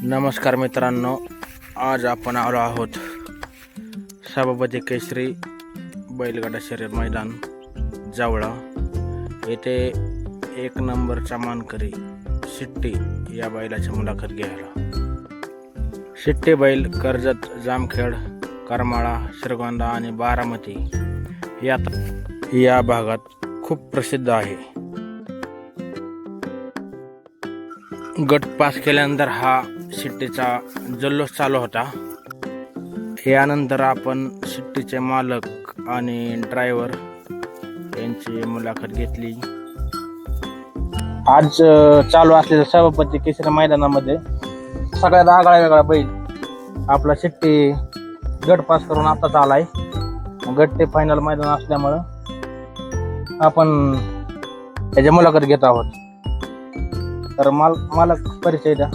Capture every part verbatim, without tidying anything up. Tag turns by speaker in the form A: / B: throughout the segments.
A: नमस्कार मित्रांनो, आज आपण आलो आहोत सभापती केसरी बैलगाडा शर्यत मैदान जावळा येथे एक नंबरचा मानकरी शिट्टी या बैलाची मुलाखत घ्यायला। शिट्टी बैल कर्जत, जामखेड, करमाळा, श्रीगोंदा आणि बारामती या या भागात खूप प्रसिद्ध आहे। गट पास केल्यानंतर हा शिट्टीचा जल्लोष चालू होता। यानंतर आपण शिट्टीचे मालक आणि ड्रायव्हर यांची मुलाखत घेतली। आज चालू असलेल्या सभापती केसरी मैदानामध्ये सगळ्यात आगळा वेगळा बैल आपला शिट्टी गट पास करून आताच आलाय। गट ते फायनल मैदान असल्यामुळं आपण त्याची मुलाखत घेत आहोत। तर माल मालक परिचय द्या।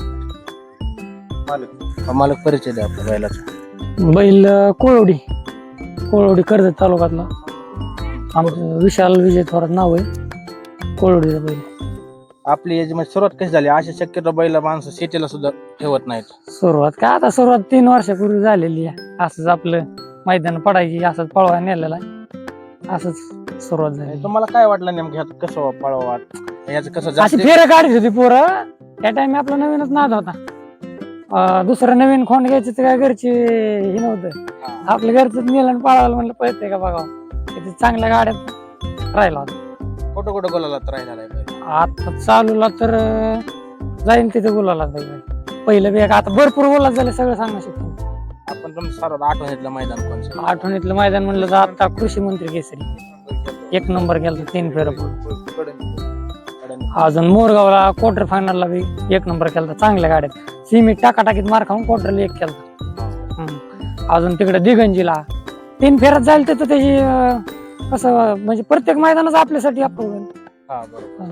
A: मालक मालक परिचय द्या आपल्या बैलाचा।
B: बैल कोळवडी कोळवडी कर्जत तालुक्यातला आमचं विशाल विजय थोरात नाव आहे। कोळवडीचा बैल
A: आपली याची म्हणजे सुरुवात कशी झाली? अशी शक्यतो बैल माणसं शेतीला सुद्धा ठेवत नाहीत।
B: सुरुवात काय आता सुरुवात तीन वर्षापूर्वी झालेली आहे। असंच आपलं मैदान पडायची, असंच पळवा नेलेला असंच सुरुवात झाली।
A: तुम्हाला काय वाटलं नेमकं ह्यात कसं पळवा याचं कसं
B: अशी
A: जास्त
B: फेरं काढत होती पोरं त्या टाइम आपला नवीनच नाद होता। अं, दुसरं नवीन खोंड घ्यायची तर काय घरची हे नव्हतं, आपल्या घरच नेलं पळायला म्हणलं पळते का बघावं। चांगल्या गाड्यात राहिला होता।
A: कुठं कुठं बोलायला राहिला बैल?
B: आता चालूला तर जाईन तिथे बोलायला पाहिजे। पहिलं बी आता भरपूर बोलायला झालं, सगळं सांगू शकतो
A: आपण तुमचं सर्वात आठवणीतलं मैदान कोणतं?
B: आठवणीतलं मैदान म्हणलं तर आता कृषी मंत्री केसरी एक नंबर गेला तीन फेर। अजून मोरगावला क्वार्टर फायनलला बी एक नंबर केला, चांगल्या गाड्यात सिमी टाकाटाकीत मार खाऊन क्वार्टरला एक केला। अजून तिकडे दिगंजीला तीन फेऱ्यात जाईल तर त्याची कसं म्हणजे प्रत्येक मैदानच आपल्यासाठी आपण।
A: हा बरोबर।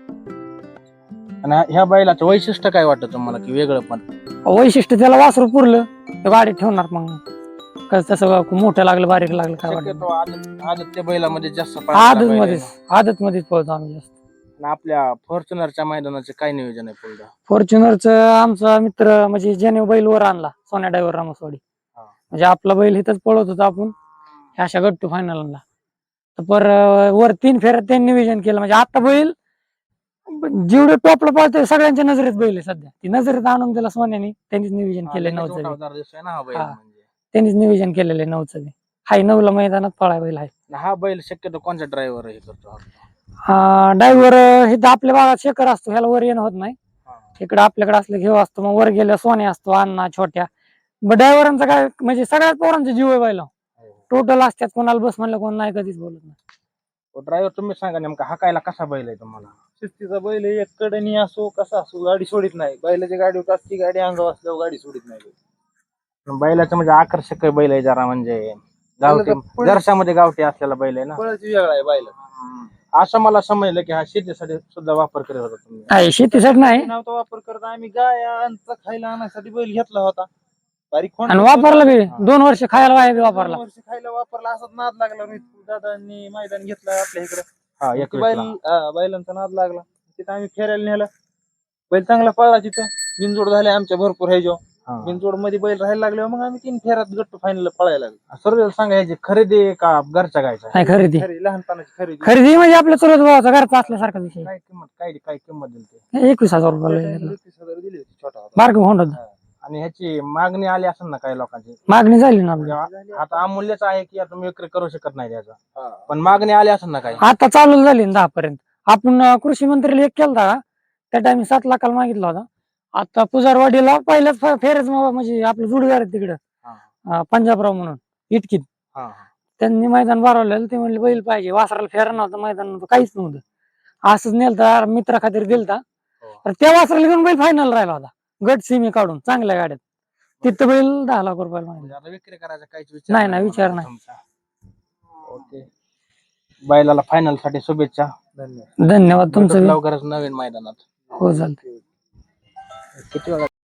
A: आणि ह्या बैलाचं वैशिष्ट्य काय वाटतं तुम्हाला की वेगळं? पण
B: वैशिष्ट्य त्याला वासरू पुरलं तर गाडी ठेवणार, मग कसं तसं मोठं लागलं बारीक लागलं काय वाटत।
A: शक्यतो आदत आदत त्या बैलामध्ये जास्त
B: आदत मध्येच आदत मध्येच पळतो आम्ही जास्त।
A: आणि आपल्या फॉर्च्युनरच्या मैदानाचे काय नियोजन आहे पुढे?
B: फॉर्च्युनरचं आमचा मित्र म्हणजे ज्याने बैल वर आणला सोन्या ड्रायव्हर रामसवाडी, म्हणजे आपला बैल इथंच पळत होता आपण अशा गट टू फायनलला। तर पर वर तीन फेऱ्यात त्यांनी नियोजन केलं, म्हणजे आता बैल जेवढे टॉपला पळतोय सगळ्यांच्या नजरेत बैल आहे सध्या। ती नजरेत आणून दिला सोन्याने, त्यांनीच नियोजन केलंय नऊचं, त्यांनीच नियोजन केलेलं आहे नऊचं बी। हाय नऊला मैदानात पळाय बैल आहे।
A: हा बैल शक्यतो कोणत्या ड्रायव्हर हे करतो?
B: हा ड्रायव्हर हे तर आपल्या भागात शेखर असतो, ह्याला वर येणं होत नाही। इकडे आपल्याकडे असलं घेऊ असतो, मग वर गेल्या सोन्या असतो, अण्णा छोट्या। मग ड्रायव्हरांचा काय म्हणजे सगळ्याच पोरांचा जीव आहे बैला, टोटल असतात, कोणाला बस म्हणलं कोण नाही कधीच बोलत नाही।
A: ड्रायव्हर तुम्ही सांगा नेमका हाकायला कसा बैल आहे तुम्हाला?
C: शिस्तीचा बैल एक कडनी असो कसा असो गाडी सोडित नाही। बैलाची गाडी असती, गाडी अंगावर असल्यावर गाडी सोडित नाही।
A: बैलाचं म्हणजे आकर्षक बैल आहे जरा, म्हणजे गावठी दर्शामध्ये गावठी असलेला बैल आहे ना,
C: पळाची वेगळा आहे बैल।
A: असं मला समजलं की हा शेतीसाठी सुद्धा वापर करत होता तुम्ही?
B: नाही शेतीसाठी नाही,
C: नव्हता वापर करता, आम्ही गायांचा खायला आणण्यासाठी बैल घेतला होता। बारीक खोंड
B: आणि वापरला बी दोन वर्ष खायला वाया बी वापरला।
C: वर्ष खायला वापरला, असाच नाद लागला। मी दादांनी मैदान घेतलं आपल्या इकडे,
A: हा एक
C: बैल बैलांचा नाद लागला, तिथं आम्ही फेरायला नेला। बैल चांगला पळला, तिथं बिनजोड झाले आमच्या भरपूर हे जो बिनजोड मध्ये बैल राहायला लागले, मग आम्ही तीन फेऱ्यात गट फायनल पळायला लागलो।
A: सर्व सांगायची खरेदी का घरच्या गायचा?
B: नाही खरेदी,
C: खरी लहानपणाची खरेदी
B: खरेदी म्हणजे आपल्या चुलत भावाचा घरचा असल्यासारखा विषय।
A: काय किंमत काय काय किंमत दिली?
B: एकवीस हजार रुपये
C: एकवीस हजार दिली होती, छोटा होता।
B: बारक होऊन होता।
A: आणि ह्याची मागणी आली असेल ना काही लोकांची?
B: मागणी झाली ना आपली,
A: आता अमूल्यच आहे की आता तुम्ही विक्री करू शकत नाही त्याचा, पण मागणी आली असेल ना काही?
B: आता चालू झाली ना दहा पर्यंत। आपण कृषी मंत्रीला एक केलता का त्या टाइम सात लाखाला मागितला होता। आता पुजारवाडीला पहिल्याच फेरच म्हणजे आपलं जुडगार आहे तिकडं पंजाबराव म्हणून इटकीत, त्यांनी मैदान भरवलेलं। ते म्हणले बैल पाहिजे, वासराला फेरा नव्हता, मैदान काहीच नव्हतं, असंच नेलता मित्रा खातीर दिलता। तर त्या वासराला घेऊन बैल फायनल राहिला होता, गट सिमी काढून चांगल्या गाड्यात। तिथं बैल दहा लाख रुपयाला मागितला।
A: आता विक्री करायचा काहीच विचार
B: नाही नाही विचार नाही।
A: ओके, बैलाला फायनल साठी शुभेच्छा।
B: धन्यवाद तुमचं
A: लवकरच नवीन मैदानात
B: हो चालतंय।
A: किती वेळा